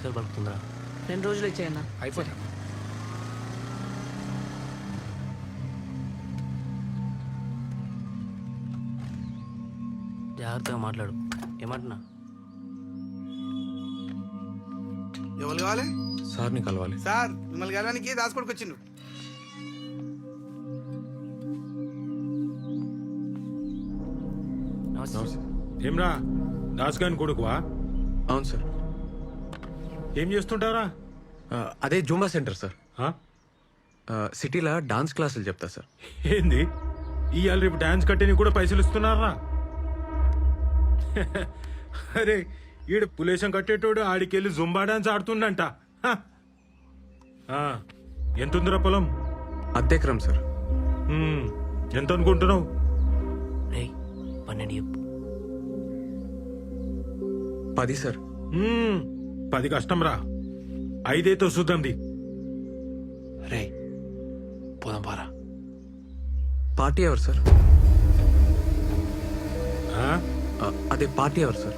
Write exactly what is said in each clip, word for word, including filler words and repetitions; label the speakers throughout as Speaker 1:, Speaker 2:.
Speaker 1: లక్షలు పలుకుతుందా?
Speaker 2: రెండు రోజులు ఇచ్చేయన్నా.
Speaker 3: అయిపోతా.
Speaker 1: జాగ్రత్తగా మాట్లాడు. ఏమంటున్నా?
Speaker 4: ఎవరు కావాలి?
Speaker 5: సార్ని కలవాలి.
Speaker 4: సార్ మిమ్మల్ని కలవడానికి దాసుకోడికి వచ్చిండు.
Speaker 1: నమస్తే.
Speaker 6: ఏమ్రా దాస్ గాని కొడుకువా?
Speaker 5: అవును సార్.
Speaker 6: ఏం చేస్తుంటారా?
Speaker 5: ఆ, అదే జూంబా సెంటర్ సార్.
Speaker 6: ఆ?
Speaker 5: ఆ, సిటీలో డాన్స్ క్లాసులు చెప్తా సార్.
Speaker 6: ఏంది ఇవాళ రేపు డాన్స్ కట్టేని కూడా పైసలు ఇస్తున్నారా? అరే ఈడు పులేశం కట్టేటోడు ఆడికెళ్ళి జుంబా డాన్స్ ఆడుతుండంట. హ. ఆ, ఎంతుందిరా పొలం?
Speaker 5: అద్దెకరం సార్.
Speaker 6: ఉమ్, ఎంత అనుకుంటున్నావు?
Speaker 1: రేయ్ పన్నెండు చెప్పు.
Speaker 5: పది సార్.
Speaker 6: ఉమ్, పది కష్టం రా, ఐదైతే వస్తుందండి.
Speaker 1: రేయ్ పోదాం పారా.
Speaker 5: పార్టీ ఎవరు సార్?
Speaker 6: ఆ?
Speaker 5: ఆ, అదే పార్టీ ఎవరు సార్?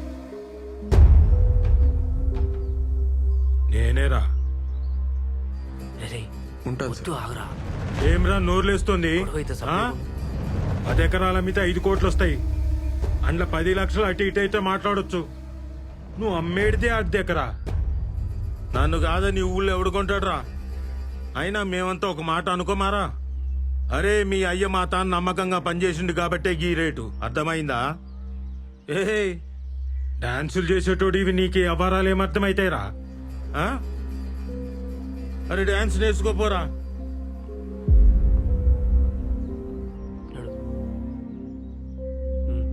Speaker 6: నేనేరా.
Speaker 1: రేయ్
Speaker 5: ఉంటాను
Speaker 1: వద్దు
Speaker 5: సార్.
Speaker 1: ఆగురా.
Speaker 6: ఏమ్రా నోర్లేస్తుంది?
Speaker 1: గొడవైతే
Speaker 6: ఆ?
Speaker 1: సపరేట్.
Speaker 6: పది ఎకరాల మీద ఐదు కోట్లు వస్తాయి. అందులో పది లక్షలు అటు ఇటు అయితే మాట్లాడొచ్చు. నువ్వు అమ్మేడితే అర్ధ ఎకరా. నన్ను కాదని ఊళ్ళో ఎవడు కొంటాడురా? అయినా మేమంతా ఒక మాట అనుకోమారా. అరే మీ అయ్య మా తాను నమ్మకంగా పనిచేసిండు కాబట్టే గీ రేటు. అర్థమైందా? ఏ డాన్సులు చేసేటోడు ఇవి నీకు అపారాలు ఏమర్థమైతాయిరా? ఆ? అరే డాన్స్ నేర్చుకోపోరా.
Speaker 1: నడు. ఉమ్.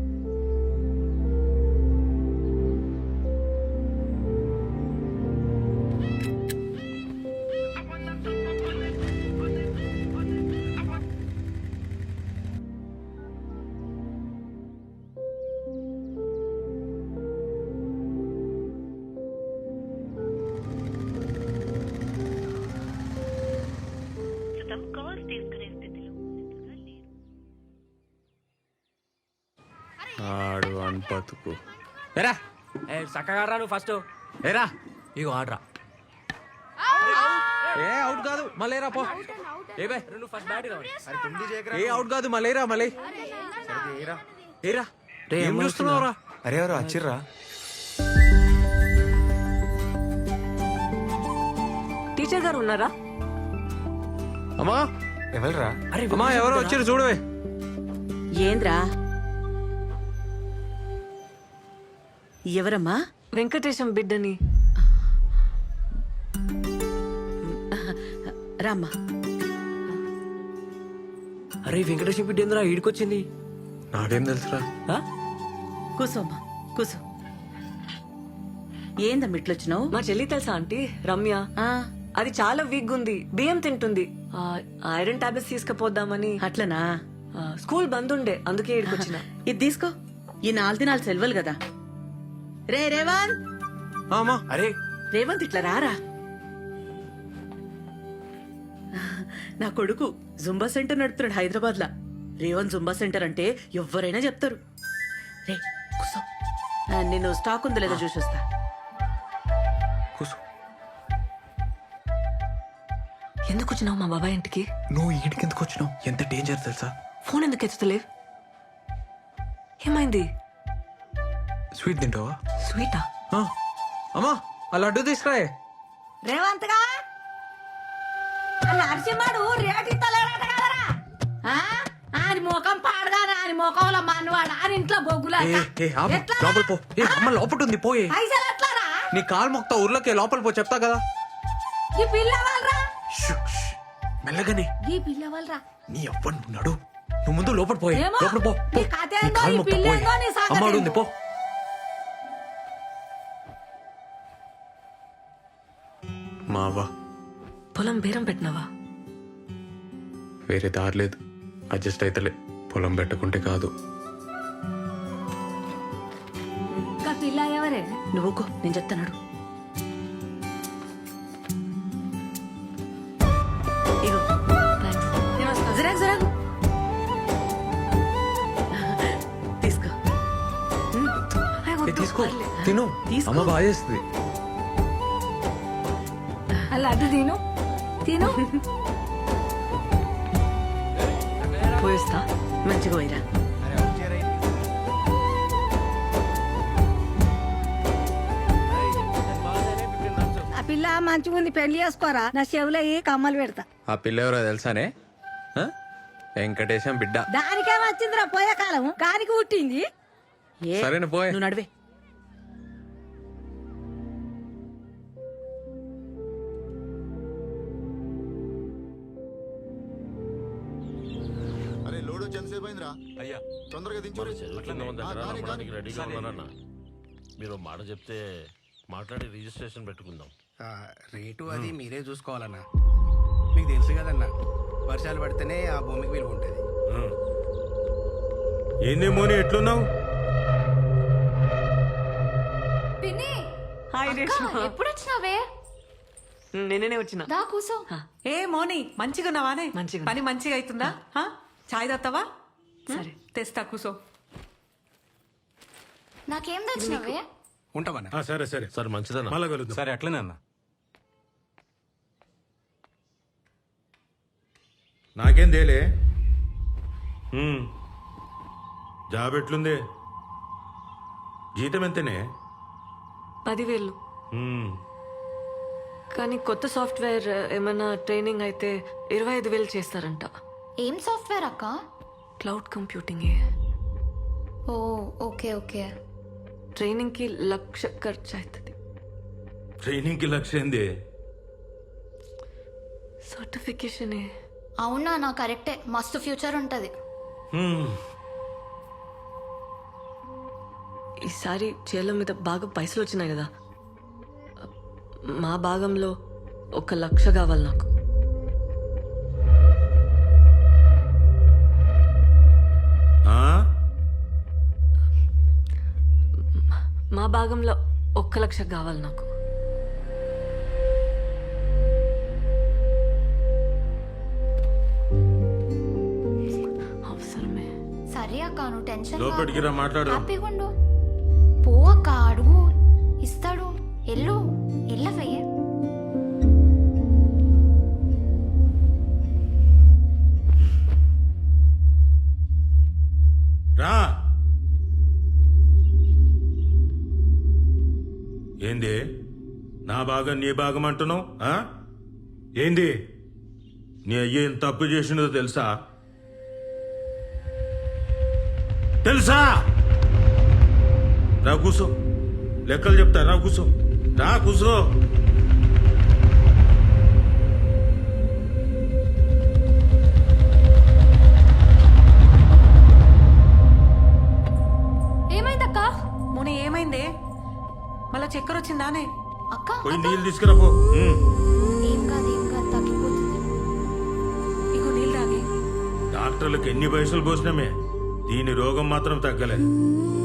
Speaker 5: ఆడు అని బతుకు.
Speaker 1: ఏరా ఏ చక్కగా రా నువ్వు ఫస్ట్.
Speaker 5: ఏరా
Speaker 1: ఇగో ఆడరా.
Speaker 5: ఏ అవుట్ కాదు మళ్ళీరా పో. ఏ బే
Speaker 1: నువ్వు ఫస్ట్ బ్యాట్ రావాలి.
Speaker 5: ఏ అవుట్ కాదు మళ్ళీరా మళ్ళీ. ఏరా
Speaker 1: రే
Speaker 5: ఏం చూస్తున్నావురా?
Speaker 3: అరే ఎవరు వచ్చిర్రా?
Speaker 2: టీచర్ గారు ఉన్నారా?
Speaker 5: అమ్మా
Speaker 3: ఎవరురా?
Speaker 1: అరే
Speaker 5: అమ్మా ఎవరో వచ్చారు చూడవే.
Speaker 2: ఏంద్రా? ఎవరమ్మా?
Speaker 7: వెంకటేశం బిడ్డని.
Speaker 2: రామ్మా.
Speaker 1: అరే వెంకటేశ్వర బిడ్డ ఏందిరా ఈడికొచ్చింది?
Speaker 5: నాకేం తెలుసురా?
Speaker 1: ఆ?
Speaker 2: కూసోమ్మా కూసో. ఏందమ్మా ఇట్లొచ్చినావు?
Speaker 7: మా చెల్లి తెలుసా ఆంటీ రమ్య? అది చాలా వీక్ ఉంది, బియ్యం తింటుంది. ఆ, ఐరన్ టాబ్లెట్స్ తీసుకుపోద్దామని.
Speaker 2: అట్లనా?
Speaker 7: ఆ, స్కూల్ బంద్ ఉండే అందుకే ఇక్కడికొచ్చిన.
Speaker 2: ఇది తీసుకో. ఈ నాలుగు దినాలు సెలవులు కదా. రే రేవంత్.
Speaker 5: ఆ, అమ్మా
Speaker 1: అరే
Speaker 2: రేవంత్ ఇట్లా రారా. నా కొడుకు జుంబా సెంటర్ నడుపుతున్నాడు హైదరాబాద్ లా. రేవంత్ జుంబా సెంటర్ అంటే ఎవరైనా చెప్తారు. రే కూసో. ఆ, నేను స్టాక్ ఉందో లేదో చూసి వస్తా.
Speaker 5: కూర్చో.
Speaker 7: ఎందుకు వచ్చినావు మా బాబాయ్ ఇంటికి?
Speaker 5: నువ్వు ఈడికి ఎందుకు వచ్చినావు? ఎంత డేంజర్ తెలుసా?
Speaker 7: ఫోన్ ఎందుకు ఎత్తుతలేవు? ఏమైంది?
Speaker 5: స్వీట్ తింటావా?
Speaker 7: స్వీటా?
Speaker 5: ఆ, అమ్మా ఆ లడ్డు తీసుకురాయే.
Speaker 2: రేవంత్ గా నరసింహడు రేటు ఇస్తలేడట కదరా. ఆయన ముఖం పాడగానే ఆయన ముఖంలో మనవాడు ఆయన ఇంట్లో బొగ్గులా.
Speaker 5: ఏ, ఏ, ఆపు. లోపల పో. ఏ, అమ్మ లోపల ఉంది పోయే.
Speaker 2: పైసలు ఎట్లారా?
Speaker 5: నీ కాలు మొక్తా ఊర్లోకి లోపల పో చెప్తా కదా.
Speaker 2: ఈ పిల్లవాళ్ళరా?
Speaker 5: Shoe, shoe. మెల్లగానే.
Speaker 2: ఈ పిల్లవాళ్ళరా?
Speaker 5: నీ అవ్వను నడు. నువ్వు ముందు లోపల పోయే.
Speaker 2: ఏమో.
Speaker 5: లోపల పో.
Speaker 2: నీ
Speaker 5: పో.
Speaker 2: కథ
Speaker 5: నీ
Speaker 2: ఏందో,
Speaker 5: కాలు
Speaker 2: ఈ
Speaker 5: మొక్తా
Speaker 2: పిల్ల
Speaker 5: పోయే.
Speaker 2: ఏందో, నీ సంగతి
Speaker 5: అమ్మాడు ఉంది
Speaker 2: ఏందో.
Speaker 5: పో. మావా
Speaker 7: పొలం బేరం పెట్టినావా?
Speaker 5: వేరే దారి లేదు. అడ్జస్ట్ అయితలే. పొలం పెట్టుకుంటే కాదు.
Speaker 2: పిల్ల ఎవరే? నువ్వు నేను చెప్తాను. ఇగో జరాగ్ జరాగ్ తీసుకో.
Speaker 5: ఏ, తీసుకో తిను.
Speaker 2: తీసుకో.
Speaker 5: అమ్మ బాగా చేస్తుంది.
Speaker 3: అలా అడ్డు తిను తిను
Speaker 7: పోయిస్తా.
Speaker 2: మంచిగా పోయిరా.
Speaker 3: ఆ పిల్ల మంచిగా ఉంది పెళ్లి చేసుకోరా నా చెవులో ఏ కమ్మలు పెడతా
Speaker 5: ఆ పిల్ల ఎవరో తెలుసానే ఆ? వెంకటేశం బిడ్డ.
Speaker 3: దానికే వచ్చిందిరా పోయే కాలం కానికి పుట్టింది
Speaker 2: ఏ
Speaker 5: సరేనా పోయ్.
Speaker 2: నువ్వు నడివే.
Speaker 8: అరే లోడ్ వచ్చి ఎంతసేపు అయిందిరా
Speaker 9: అయ్యా
Speaker 8: తొందరగా దించు
Speaker 9: రెడీగా ఉన్నారన్న మీరు ఒక మాట చెప్తే మాట్లాడి రిజిస్ట్రేషన్ పెట్టుకుందాం.
Speaker 4: ఆ, రేటు అది మీరే చూసుకోవాలన్నా. మీకు తెలుసు కదన్నా, వర్షాలు పడితేనే ఆ భూమికి విలువ ఉంటుంది.
Speaker 6: ఏంది మోని ఎట్లున్నావు?
Speaker 7: హాయ్ రేష్మా.
Speaker 10: ఎప్పుడు వచ్చినావే?
Speaker 7: నిన్ననే వచ్చిన.
Speaker 10: దా కూసో.
Speaker 11: ఏ మోని మంచిగా ఉన్నావానే?
Speaker 7: మంచిగా.
Speaker 11: పని మంచిగా అవుతుందా? హా? చాయ్ తాగుతావా?
Speaker 7: సరే.
Speaker 11: తెస్తా కూసో.
Speaker 10: నాకేం తెచ్చినావే?
Speaker 4: ఉంటామన్నా.
Speaker 6: ఆ, సరే సరే
Speaker 9: సరే మంచిదన్న.
Speaker 6: మళ్ళా కలుద్దాం.
Speaker 9: సరే అట్లనే అన్న.
Speaker 6: నాకేం తేలే. హ్మ్. జాబ్ ఎట్లుంది? జీతం ఎంతనే?
Speaker 7: పదివేలు.
Speaker 6: హ్మ్.
Speaker 7: కానీ కొత్త సాఫ్ట్వేర్ ఏమైనా ట్రైనింగ్ అయితే ఇరవై ఐదు వేలు చేస్తారంట.
Speaker 10: ఏం సాఫ్ట్వేర్ అక్క?
Speaker 7: Cloud computing.
Speaker 10: ఓ ఓకే ఓకే.
Speaker 7: ట్రైనింగ్ కి లక్ష ఖర్చు అవుతుంది.
Speaker 6: ట్రైనింగ్ కి లక్ష్యం ఏంది?
Speaker 7: సర్టిఫికేషన్.
Speaker 10: అవునా, నా కరెక్టే, మస్తు ఫ్యూచర్ ఉంటది.
Speaker 6: హ్మ్.
Speaker 7: ఈసారి చేల మీద బాగా పైసలు వచ్చినాయి కదా, మా భాగంలో ఒక లక్ష కావాలి నాకు.
Speaker 6: ఆ?
Speaker 7: మా భాగంలో ఒక్క లక్ష కావాలి నాకు. అవసరమే.
Speaker 10: సరే అక్క, నువ్వు టెన్షన్
Speaker 6: లోపలికి రా, మాట్లాడు.
Speaker 10: హ్యాపీగా ఉండు. పో అక్క, అడుగు, ఇస్తాడు. ఎల్లు ఎల్లవే.
Speaker 6: రా. ఏంది నా భాగం నీ భాగం అంటున్నావు? ఆ? ఏంది నీ అయ్య ఏం తప్పు చేసినదో తెలుసా? తెలుసా? రా కూసో, లెక్కలు చెప్తా. రా కూసో, రా కూసో.
Speaker 10: ఏమైందక్క?
Speaker 11: మోని ఏమైందే? మళ్ళా చక్కెర వచ్చిందానే?
Speaker 10: అక్క
Speaker 6: పోయి నీళ్ళు తీసుకురాపో. ఉమ్.
Speaker 10: ఏం కాదు ఏం కాదు, తగ్గిపోతుంది.
Speaker 11: ఇగో నీళ్ళు తాగి.
Speaker 6: డాక్టర్లకు ఎన్ని పైసలు పోసినామే, దీని రోగం మాత్రం తగ్గలేదు.